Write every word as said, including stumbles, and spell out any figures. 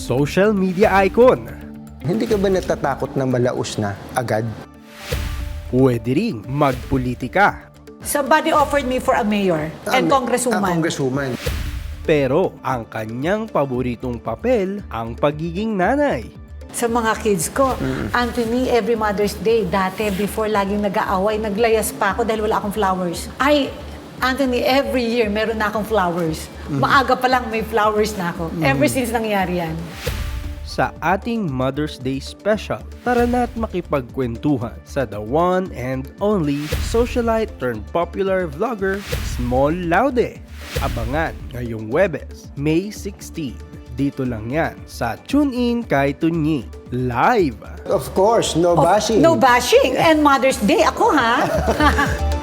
social media icon. Hindi ka ba natatakot na malaos na agad? Pwede ring magpolitika. Somebody offered me for a mayor and Ah, congresswoman. ah, congresswoman. Pero ang kanyang paboritong papel ang pagiging nanay. Sa mga kids ko, Anthony, every Mother's Day, dati before laging nag-aaway, naglayas pa ako dahil wala akong flowers. Ay, Anthony, every year meron na akong flowers. Maaga pa lang may flowers na ako. Ever since nangyari yan. Sa ating Mother's Day special, tara na't makipagkwentuhan sa the one and only socialite turned popular vlogger, Small Laude. Abangan ngayong Huwebes, May sixteenth. Dito lang yan sa Tune In kay Tunyi. Live! Of course, no Of- bashing. No bashing. And Mother's Day, ako ha?